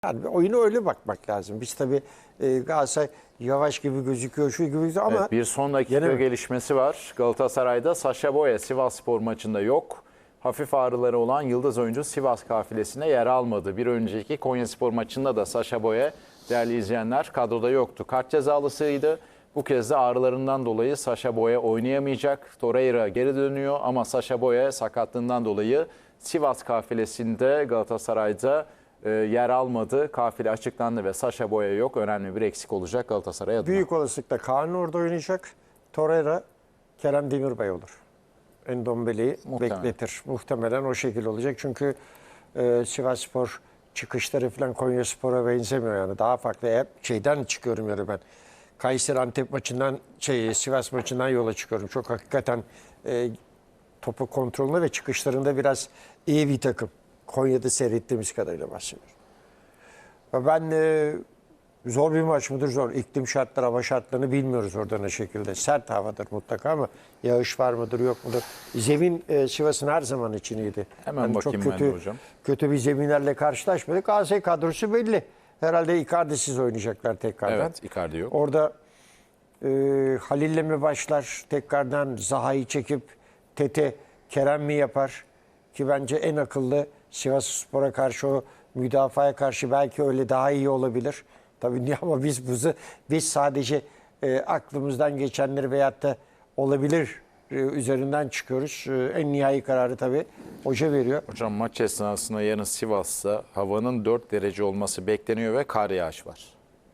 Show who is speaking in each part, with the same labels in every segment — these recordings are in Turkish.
Speaker 1: Yani oyuna öyle bakmak lazım. Biz tabii Galatasaray yavaş gibi gözüküyor, şu gibi gözüküyor ama
Speaker 2: Evet, bir son dakika gelişmesi var. Galatasaray'da Sacha Boey Sivasspor maçında yok. Hafif ağrıları olan yıldız oyuncu Sivas kafilesine yer almadı. Bir önceki Konyaspor maçında da Sacha Boey, değerli izleyenler, kadroda yoktu. Kart cezalısıydı. Bu kez de ağrılarından dolayı Sacha Boey oynayamayacak. Torreira geri dönüyor ama Sacha Boey sakatlığından dolayı Sivas kafilesinde Galatasaray'da yer almadı. Kafile açıklandı ve Sacha Boey yok. Önemli bir eksik olacak Galatasaray adına.
Speaker 1: büyük olasılıkla Kaan orada oynayacak. Torreira, Kerem Demirbay olur. Endombele'yi bekletir. Muhtemelen o şekilde olacak. Çünkü Sivasspor çıkışları falan Konyaspor'a benzemiyor yani. Daha farklı. Hep şeyden çıkıyorum yani ben. Kayseri Antep maçından, Sivas maçından yola çıkıyorum. Çok hakikaten topu kontrolünde ve çıkışlarında biraz iyi bir takım. Konya'da seyrettiğimiz kadarıyla bahsediyorum. Ve ben zor bir maç mıdır? Zor. İklim şartları, hava şartlarını bilmiyoruz orada ne şekilde. Sert havadır mutlaka ama yağış var mıdır, yok mudur? Zemin Sivas'ın her zaman için iyiydi.
Speaker 2: Hemen
Speaker 1: Yani
Speaker 2: bakayım
Speaker 1: çok
Speaker 2: ben
Speaker 1: kötü,
Speaker 2: de hocam.
Speaker 1: kötü bir zeminlerle karşılaşmadık. Galatasaray kadrosu belli. Herhalde Icardi'siz oynayacaklar tekrardan.
Speaker 2: Evet, Icardi yok.
Speaker 1: Orada Halil'le mi başlar tekrardan Zaha'yı çekip Tete Kerem mi yapar? Ki bence en akıllı Sivasspor'a karşı o müdafaya karşı belki öyle daha iyi olabilir. Tabii niye ama biz sadece aklımızdan geçenleri veyahut da olabilir üzerinden çıkıyoruz. En nihai kararı tabii hoca veriyor.
Speaker 2: Hocam maç esnasında yarın Sivas'ta havanın 4 derece olması bekleniyor ve kar yağış var.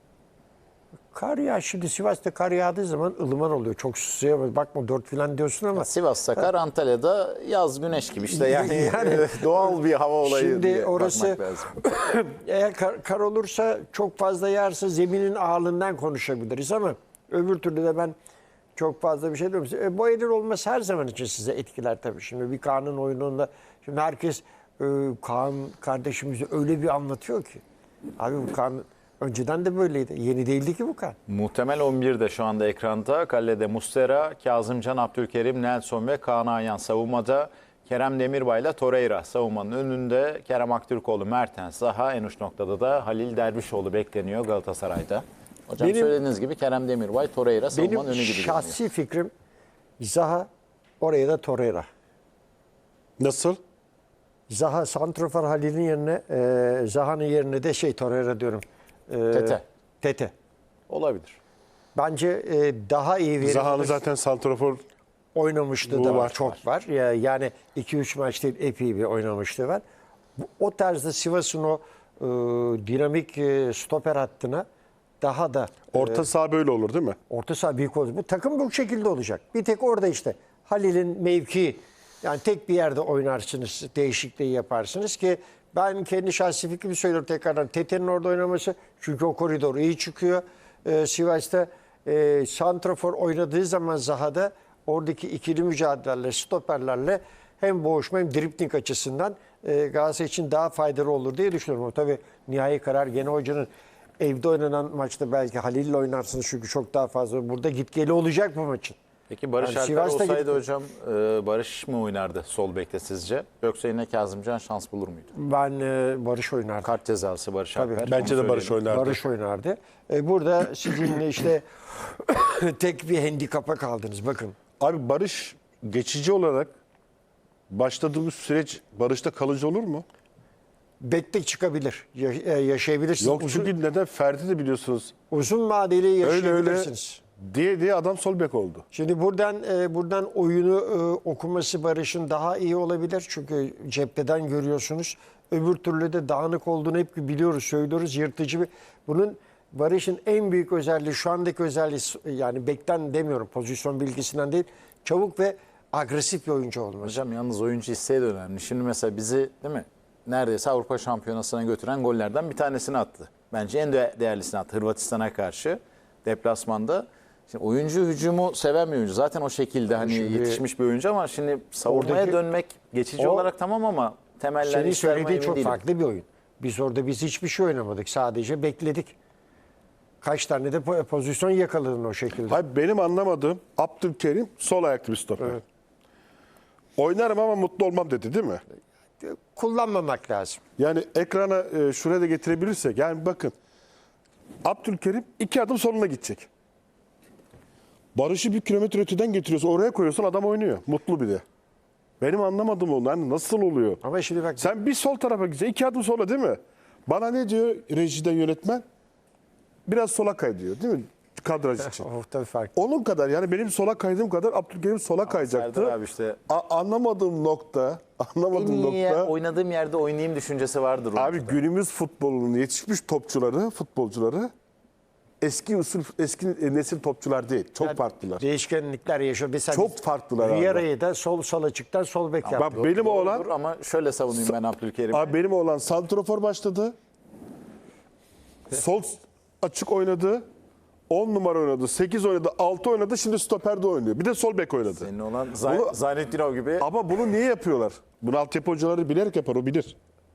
Speaker 1: Kar yağ şimdi Sivas'ta kar yağdığı zaman ılıman oluyor. Çok suya bakma 4 falan diyorsun ama.
Speaker 2: Sivas'ta kar, Antalya'da yaz güneş gibi işte yani doğal bir hava olayı
Speaker 1: şimdi
Speaker 2: diye
Speaker 1: orası,
Speaker 2: bakmak lazım.
Speaker 1: Eğer kar olursa çok fazla yağarsa zeminin ağırlığından konuşabiliriz ama öbür türlü de ben çok fazla bir şey diyorum. Bu elin olması her zaman için size etkiler tabii. Şimdi bir Kaan'ın oyununda şimdi herkes Kaan kardeşimizi öyle bir anlatıyor ki. Abi bu Kaan önceden de böyleydi. Yeni değildi ki bu Kaan.
Speaker 2: Muhtemel 11 de şu anda ekranda. Kalede Muslera, Kazımcan, Abdülkerim, Nelson ve Kaan Ayhan savunmada. Kerem Demirbay ile Torreira savunmanın önünde. Kerem Aktürkoğlu, Mertens, Zaha, en uç noktada da Halil Dervişoğlu bekleniyor Galatasaray'da. Hocam söylediğiniz gibi Kerem Demirbay, Torreira savunmanın önü gibi
Speaker 1: Benim
Speaker 2: görünüyor.
Speaker 1: şahsi fikrim Zaha, oraya da Torreira.
Speaker 3: Nasıl?
Speaker 1: Zaha santrofor Halil'in yerine Zaha'nın yerine de Torreira diyorum. Tete.
Speaker 2: Olabilir.
Speaker 1: Bence daha iyi verilmiş.
Speaker 3: Zaha'nın zaten santrafor
Speaker 1: oynamışlığı da var. Çok var. Yani 2-3 maç değil epey bir oynamışlığı var. O tarzda Sivas'ın o dinamik stoper hattına daha da
Speaker 3: orta saha böyle olur değil mi?
Speaker 1: orta saha büyük olacak. Bu takım bu şekilde olacak. Bir tek orada işte Halil'in mevkii yani tek bir yerde oynarsınız, değişikliği yaparsınız ki ben kendi şahsi fikrimi söylüyorum tekrardan. Tete'nin orada oynaması çünkü o koridor iyi çıkıyor. Sivas'ta santrafor oynadığı zaman Zaha'da oradaki ikili mücadelelerle, stoperlerle hem boğuşma hem dripling açısından Galatasaray için daha faydalı olur diye düşünüyorum. Tabii nihai karar gene hocanın. Evde oynanan maçta belki Halil'le oynarsınız çünkü çok daha fazla. Burada git geli olacak bu maçın.
Speaker 2: Peki Barış
Speaker 1: Yani
Speaker 2: Alper
Speaker 1: Sivas'ta
Speaker 2: olsaydı hocam Barış mı oynardı sol bekte sizce? Yoksa yine Kazımcan şans bulur muydu?
Speaker 1: Ben Barış oynardım.
Speaker 2: Kart cezası Barış
Speaker 1: Tabii.
Speaker 2: Alper.
Speaker 3: Bence
Speaker 2: onu
Speaker 3: de Barış
Speaker 2: söyleyelim.
Speaker 3: oynardı.
Speaker 1: Barış oynardı. Burada sizinle işte tek bir handikapa kaldınız. Bakın.
Speaker 3: Abi Barış geçici olarak başladığımız süreç Barış'ta kalıcı olur mu?
Speaker 1: Bekle çıkabilir. Yaşayabilirsiniz.
Speaker 3: Yok çünkü neden? Ferdi de biliyorsunuz.
Speaker 1: Uzun vadeli
Speaker 3: Öyle
Speaker 1: yaşayabilirsiniz.
Speaker 3: diye adam sol bek oldu.
Speaker 1: Şimdi buradan oyunu okuması Barış'ın daha iyi olabilir. Çünkü cepheden görüyorsunuz. Öbür türlü de dağınık olduğunu hep biliyoruz, söylüyoruz. Yırtıcı bir. Bunun Barış'ın en büyük özelliği, şu andaki özelliği yani bekten demiyorum, pozisyon bilgisinden değil. Çabuk ve agresif bir oyuncu olması.
Speaker 2: Hocam yalnız oyuncu isteği de önemli. Şimdi mesela bizi değil mi? Neredeyse Avrupa Şampiyonası'na götüren gollerden bir tanesini attı. Bence en değerlisini attı Hırvatistan'a karşı deplasmanda. Şimdi oyuncu hücumu seven bir oyuncu. Zaten o şekilde hani yetişmiş bir oyuncu ama şimdi savunmaya dönmek geçici olarak tamam ama temeller
Speaker 1: Senin
Speaker 2: iş vermeye
Speaker 1: söylediğin
Speaker 2: emin
Speaker 1: çok
Speaker 2: değilim.
Speaker 1: farklı bir oyun. Biz hiçbir şey oynamadık. Sadece bekledik. Kaç tane de pozisyon yakaladın o şekilde.
Speaker 3: Hayır, benim anlamadığım Abdülkerim sol ayaklı bir stoper.
Speaker 1: Evet.
Speaker 3: Oynarım ama mutlu olmam dedi değil mi?
Speaker 1: kullanmamak lazım.
Speaker 3: Yani ekrana şuraya da getirebilirsek. Yani bakın. Abdülkerim 2 adım soluna gidecek. Barış'ı 1 kilometre öteden getiriyorsun. Oraya koyuyorsun, adam oynuyor. Mutlu bir de. Benim anlamadığım o. Yani nasıl oluyor?
Speaker 1: Ama şimdi bak
Speaker 3: Sen bir sol tarafa gideceksin. 2 adım sola değil mi? Bana ne diyor rejiden yönetmen? Biraz sola kay diyor değil mi? Kadraj için.
Speaker 1: o tabii fark.
Speaker 3: Onun kadar yani benim sola kaydığım kadar Abdülkerim sola kayacaktı.
Speaker 2: Serdar abi işte
Speaker 3: Anlamadığım nokta,
Speaker 2: oynadığım yerde oynayayım düşüncesi vardır.
Speaker 3: Abi
Speaker 2: oyuncuda.
Speaker 3: günümüz futbolunun yetişmiş futbolcuları eski nesil topçular değil. Çok farklılar.
Speaker 1: Değişkenlikler yaşıyor. Mesela
Speaker 3: Çok farklılar abi.
Speaker 1: Riera'yı da sol açıktan sol bek yaptı.
Speaker 3: Bak benim oğlan,
Speaker 2: Olur ama şöyle savunayım ben Abdülkerim'i.
Speaker 3: abi benim oğlan santrafor başladı. Sol açık oynadı. 10 numara oynadı, 8 oynadı, 6 oynadı. Şimdi stoperde oynuyor. Bir de sol bek oynadı.
Speaker 2: Senin olan
Speaker 3: Bunu-
Speaker 2: Zaynettinov gibi.
Speaker 3: Ama bunu niye yapıyorlar? Bunu altyapı hocaları bilerek yapar, o bilir.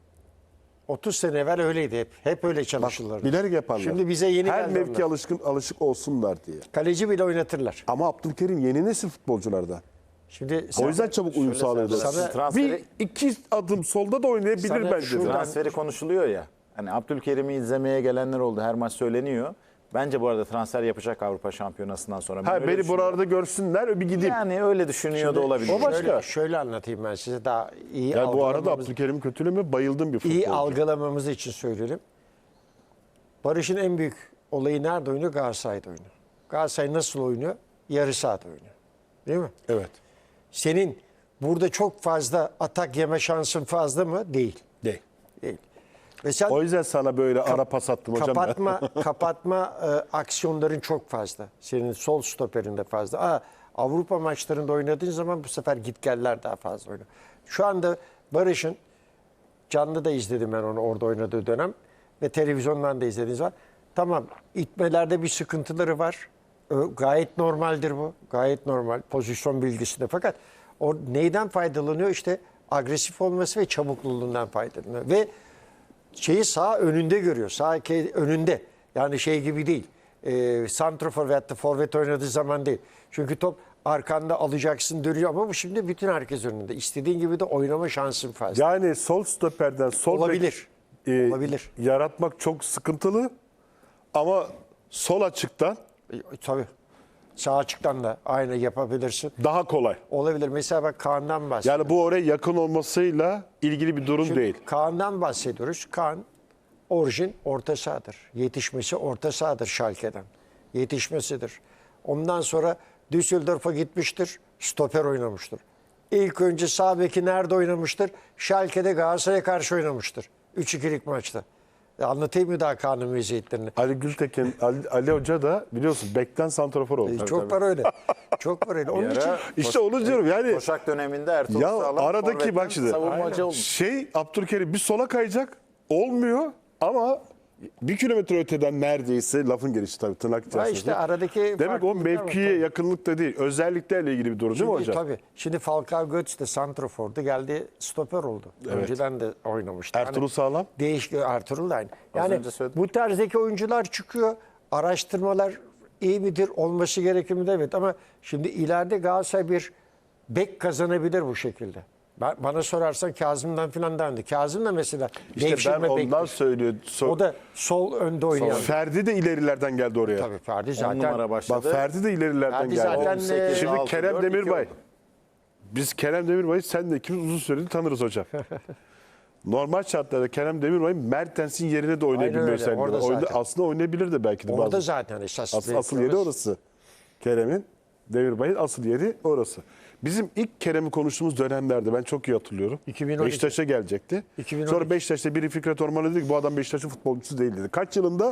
Speaker 1: 30 sene evvel öyleydi hep. Hep öyle çalışırlardı.
Speaker 3: Bilerek yaparlar.
Speaker 1: Şimdi bize yeni
Speaker 3: her
Speaker 1: geldi
Speaker 3: mevki
Speaker 1: onlar.
Speaker 3: alışık olsunlar diye.
Speaker 1: Kaleci bile oynatırlar.
Speaker 3: Ama Abdülkerim yeni nesil futbolculardan.
Speaker 1: Şimdi
Speaker 3: O yüzden çabuk uyum sağlıyorlar.
Speaker 2: Sana-
Speaker 3: Bir iki adım solda da oynayabilir
Speaker 1: Sana
Speaker 3: bence.
Speaker 1: şuradan-
Speaker 2: Transferi konuşuluyor ya. Hani Abdülkerim'i izlemeye gelenler oldu. Her maç söyleniyor. Bence bu arada transfer yapacak Avrupa Şampiyonası'ndan sonra. Ben
Speaker 3: Ha,
Speaker 2: öyle
Speaker 3: beni
Speaker 2: düşünüyorum.
Speaker 3: buralarda görsünler bir gideyim.
Speaker 2: Yani öyle düşünüyor da olabilir.
Speaker 3: o başka.
Speaker 1: şöyle anlatayım ben size daha iyi
Speaker 3: Yani bu arada
Speaker 1: algılamamız-
Speaker 3: Abdülkerim'i kötüleme bayıldım bir futbolcu.
Speaker 1: iyi algılamamız için söyleyelim. Barış'ın en büyük olayı nerede oynuyor? Galatasaray'da oynuyor. Galatasaray nasıl oynuyor? Yarı sahada oynuyor. Değil mi?
Speaker 3: Evet.
Speaker 1: Senin burada çok fazla atak yeme şansın fazla mı? Değil.
Speaker 3: Değil.
Speaker 1: Değil. Ve sen
Speaker 3: O yüzden sana böyle ara pas attım hocam.
Speaker 1: kapatma aksiyonların çok fazla. Senin sol stoperinde fazla. Avrupa maçlarında oynadığın zaman bu sefer gitgeller daha fazla oynuyor. Şu anda Barış'ın canlı da izledim ben onu orada oynadığı dönem ve televizyondan da izlediğiniz var. Tamam, itmelerde bir sıkıntıları var. Gayet normaldir bu. Gayet normal. Pozisyon bilgisinde. Fakat o neyden faydalanıyor? İşte agresif olması ve çabukluğundan faydalanıyor. Ve şeyi sağ önünde görüyor. Sağ önünde. Yani şey gibi değil. Santrafor veyahut da forvet oynadığı zaman değil. Çünkü top arkanda alacaksın dönüyor ama bu şimdi bütün herkes önünde. İstediğin gibi de oynama şansın fazla.
Speaker 3: Yani sol stoperden sol
Speaker 1: Olabilir.
Speaker 3: bek,
Speaker 1: Olabilir.
Speaker 3: yaratmak çok sıkıntılı. Ama sol açıktan
Speaker 1: Tabii. Sağ açıktan da aynı yapabilirsin.
Speaker 3: daha kolay.
Speaker 1: Olabilir. Mesela bak Kaan'dan bahsediyoruz.
Speaker 3: Yani bu oraya yakın olmasıyla ilgili bir durum değil.
Speaker 1: Kaan'dan bahsediyoruz. Kaan orijin orta sahadır. Yetişmesi orta sahadır Schalke'den. Yetişmesidir. Ondan sonra Düsseldorf'a gitmiştir. Stoper oynamıştır. İlk önce sağ beki nerede oynamıştır? Schalke'de Galatasaray'a karşı oynamıştır. 3-2'lik maçta. Anlatayım mı daha Kaan'ın meziyetlerini?
Speaker 3: Ali Gültekin, Ali Hoca da biliyorsun bekten santrafor oldu.
Speaker 1: Çok var öyle. Çok var öyle. Onun için
Speaker 3: İşte onu diyorum yani.
Speaker 2: Koşak döneminde Ertuğrul
Speaker 3: Ya
Speaker 2: Sağlam
Speaker 3: aradaki
Speaker 2: forvetten
Speaker 3: bak şimdi.
Speaker 2: savunmacı olmuş.
Speaker 3: Abdülkerim bir sola kayacak. Olmuyor ama 1 kilometre öteden neredeyse lafın gelişi tabii tırnak
Speaker 1: ha
Speaker 3: içerisinde.
Speaker 1: işte aradaki
Speaker 3: Demek o
Speaker 1: farklılıklar var.
Speaker 3: mevkiye yakınlıkta değil. Özelliklerle ilgili bir durum değil mi hocam?
Speaker 1: Tabii. Şimdi Falcao Götze de santrafordu. Geldi stoper oldu. Önceden de oynamıştı.
Speaker 3: Ertuğrul Sağlam.
Speaker 1: Değişik Ertuğrul da aynı. Yani
Speaker 2: önce söyledim.
Speaker 1: bu tarzdaki oyuncular çıkıyor. Araştırmalar iyi midir? Olması gerekir mi? Evet ama şimdi ileride Galatasaray bir bek kazanabilir bu şekilde. Bana sorarsan Kazım'dan falan dendi. Kazım da mesela
Speaker 3: İşte ben
Speaker 1: devşirme
Speaker 3: ondan
Speaker 1: bektir.
Speaker 3: söylüyorum.
Speaker 1: O da sol önde oynayan.
Speaker 3: Ferdi de ilerilerden geldi oraya.
Speaker 1: Tabii Ferdi
Speaker 2: 10
Speaker 1: zaten.
Speaker 2: numara
Speaker 3: Bak
Speaker 2: başladı.
Speaker 3: Ferdi de ilerilerden
Speaker 1: Ferdi
Speaker 3: geldi.
Speaker 1: zaten,
Speaker 2: 18,
Speaker 3: Şimdi
Speaker 2: 6,
Speaker 3: Kerem
Speaker 2: 4, 2
Speaker 3: Demirbay.
Speaker 2: oldu.
Speaker 3: Biz Kerem Demirbay'ı sen de ikimiz uzun süredir tanırız hocam. Normal şartlarda Kerem Demirbay'ın Mertens'in yerine de oynayabilme
Speaker 1: Aynen öyle,
Speaker 3: özelliği
Speaker 1: orada
Speaker 3: var.
Speaker 1: zaten.
Speaker 3: Aslında oynayabilir de belki de.
Speaker 1: Orada
Speaker 3: bazı.
Speaker 1: zaten esas
Speaker 3: Asıl yeri orası. Kerem'in, Demirbay'ın asıl yeri orası. Bizim ilk Kerem'i konuştuğumuz dönemlerde ben çok iyi hatırlıyorum.
Speaker 1: 2012.
Speaker 3: Beşiktaş'a gelecekti.
Speaker 1: 2012.
Speaker 3: Sonra Beşiktaş'ta biri Fikret Orman dedi ki bu adam Beşiktaş'ın futbolcusu değil dedi. Kaç yılında?